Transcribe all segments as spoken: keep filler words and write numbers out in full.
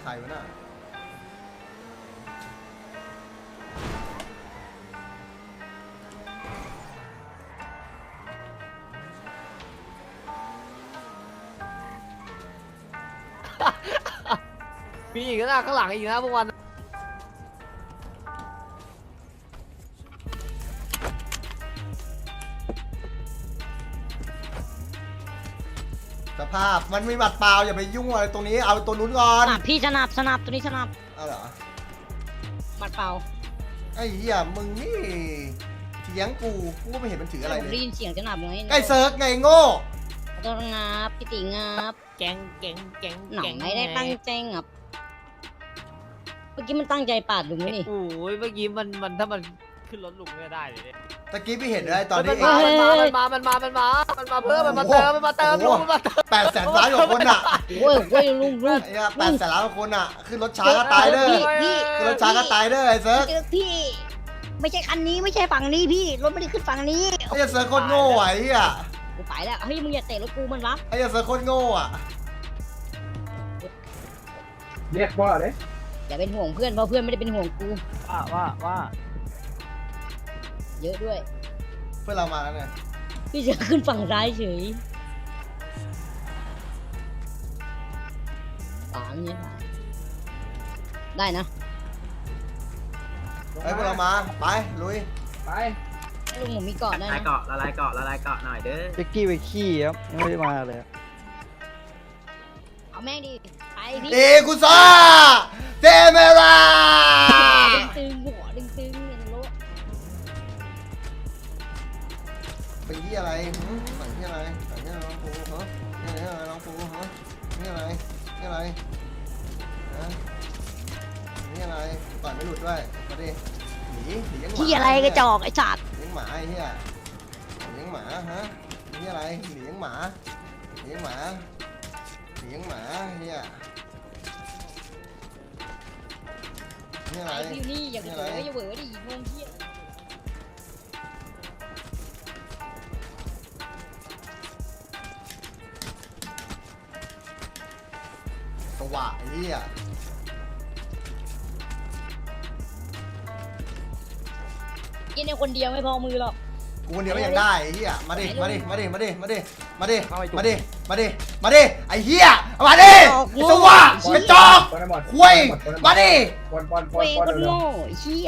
ใครวะน่ะมีอีกนะข้างหลังอีกนะพวกวันสภาพมันมีบัตรเปล่าอย่าไปยุ่งอะไรตรงนี้เอาตัวนู้นก่อนสนับพี่สนับสนับตัวนี้สนับเอาเหรอบัดเปล่าไอ้เหี้ยมึงนี่เถียงกูกูก็ไม่เห็นมันถืออะไรผมเลได้ยยินเสียงสนับไงไอ้เซิร์กไงโง่ขอโทษงับพี่ติงับแกงแกงแกงหนังไม่ได้ตั้งใจงับเมื่อกี้มันตั้งใจปาดลุงไหมนี่โอ้ยเมื่อกี้มันมันถ้ามันขึ้นรถลุงไม่ได้เลยเนี่ยตะกี้พี่เห็นอะไรตอนนี้มันมามันมามันมามันมามันมาเพิ่มมันมาเติมมันมาเติมลุงมันมาเติมแปดแสนล้านกว่าคนอ่ะโอ้ยโอ้ยลุงลุงไอ้เหี้ยแปดแสนล้านกว่าคนอ่ะขึ้นรถช้าก็ตายเด้อพี่พี่ขึ้นรถช้าก็ตายเด้อไอ้เซิร์กเจอพี่ ไม่ใช่คันนี้ไม่ใช่ฝั่งนี้พี่รถไม่ได้ขึ้นฝั่งนี้ไอ้เซิร์กโคตรโง่อ่ะไอ้เหี้ยกูไปแล้วเฮ้ยมึงอย่าเตะรถกูมันวะไอ้เซิร์กโคตรโง่อ่ะเรียกว่าเลยอย่าเป็นห่วงเพื่อนเพราะเพื่อนไม่ได้เป็นห่วงกูว่าว่าว่าเยอะด้วยเพื่อนเรามาแล้วเนี่ยพี่จะขึ้นฝั่งซ้ายเฉยฝางเนี่ยได้นะไอ้เพื่อนเรามาไปลุยไปลุงผมมีเกาะได้ละลายนะเกาะละลายเกาะละลายเกาะหน่อยเด้อเจ๊กกี้ไปขี้ครับยังไม่ได้มาเลยเอาแม่งดิไปพี่เอกุซ่าเจเมราตึงๆหัวตึงๆเนี่ยรถไปที่อะไรหืมไปที่อะไรไปที่อะไรน้องปูฮะนี่อะไรน้องปูฮะนี่อะไรนี่อะไรฮะนี่อะไรต่อยไม่หลุดด้วยมาดิหนีหนียังหมาที่อะไรกระจอกไอ้สัตว์เลี้ยงหมาไอ้เหี้ยเลี้ยงหมาฮะนี่อะไรเลี้ยงหมาเลี้ยงหมาเลี้ยงหมาเหี้ยนี่อะไรไอ้พี่นี่อย่าไปเหวออย่าเหวอดิงงเที่ยสว่ะไอ้เหี้ยกินในคนเดียวไม่พอมือหรอกกูคนเดียวไม่ยังได้ไอ้เหี้ยมาดิมาดิมาดิมาดิมาดิมาดิมาดิมาดิมาดิไอ้เหี้ยมาดิสว่ะกระจอกคุยมาดิปอนปอนปอเว้นยปอนคนเร็วโง่ไอ้เหี้ย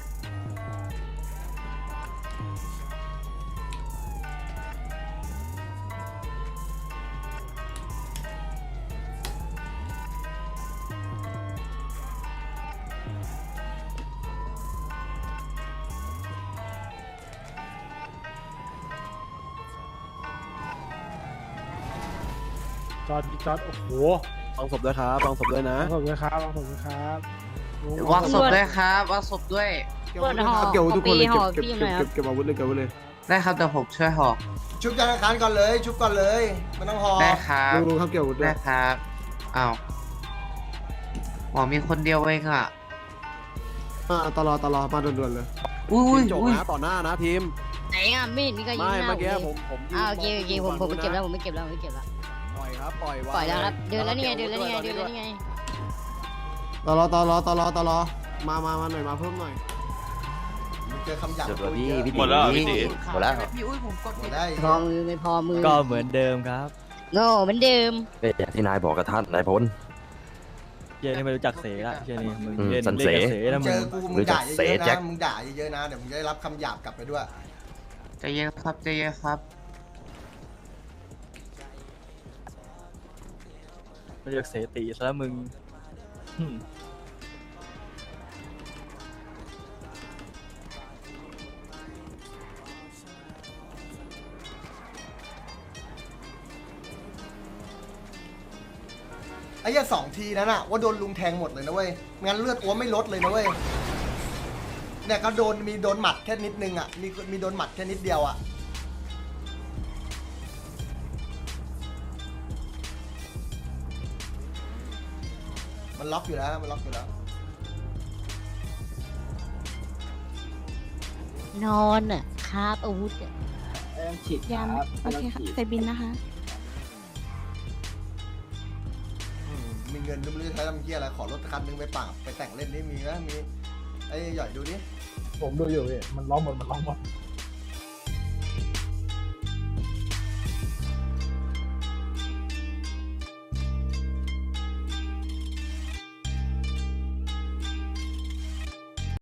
จอดจอดโอ้โหลองศพด้วยครับลองศพด้วยนะลองผมด้วยครับลองผมด้วยครับวางศพด้วยครับวางศพด้วยเปิดห่อเก็บทุกคนเลยเก็บเก็บเก็บเก็บเก็บอาวุธเลยเก็บอาวุธเลยได้ครับเดี๋ยวผมช่วยห่อชุบธนาคารก่อนเลยชุบก่อนเลยไม่ต้องหอได้ครับลุงลุงครับเก็บอาวุธด้วได้ยครับอ้าวหมอมีคนเดียวเองอ่ะอ่าตลอดตลอดมาด่วนๆเลยอุ้ยจบอุ้ยนะต่อหน้านะทีมไหนอ่ะไม่เห็นมีใครยิงไม่หน้าเมื่อกี้ผผม มผมยืนอ้าวโอเคโอเคผมผมไม่เก็บแล้วมผมไม่เก็บแล้วผมไม่เก็บแล้วปล่อยครับปล่อยปล่อยแล้วครับเดินแล้วนี่ไงเดินแล้วนี่ไงเดินแล้วนี่ไงตลอดตลอดตลอดตลอดมามามาหน่อยมาเพิ่มหน่อยเจอคำหยาบจบแล้วพูดพี่เยอะพี่หมดแล้วเหรอพี่ติหมดแล้วพี่อุ้ยผมกดหมผิดดได้พอมือไม่พอมือก็เหมือนเดิมครับโง่เหมือนเดิมก็อย่างที่นายบอกกับท่านนายพลเจนี่ไม่รู้จักเสละเจนี่มึงอืมเล่นสันเล่นเสกับเสนะเจมึงอกูมึงด่าเยเสอะๆแจ็นะคมึงด่าเยอะๆนะเดี๋ยวมึงจะได้รับคำหยาบกลับไปด้วยใจเย็นครับใจเย็นครับไม่รู้จักเสตีซะแล้วมึงอืมไอ้เหี้ยสองทีนั้นอะว่าโดนลุงแทงหมดเลยนะเว้ยงั้นเลือดอ้วไม่ลดเลยนะเว้ยเนี่ยก็โดนมีโดนหมัดแค่นิดนึงอะมีมีโดนหมัดแค่นิดเดียวอะมันล็อกอยู่แล้วมันล็อกอยู่แล้วนอนอ่ะคาบอาวุธอ่ะฉีดยามโอเคค่ะใส่บินนะคะอืมมีเงินงินไม่รู้จะใช้ทำเหี้ยอะไรขอรถคันนึงไปปราบไปแต่งเล่นนี่มีไหมมีไอ้หย่อยดูดิผมดูอยู่พี่มันร้องหมดมันร้องหมด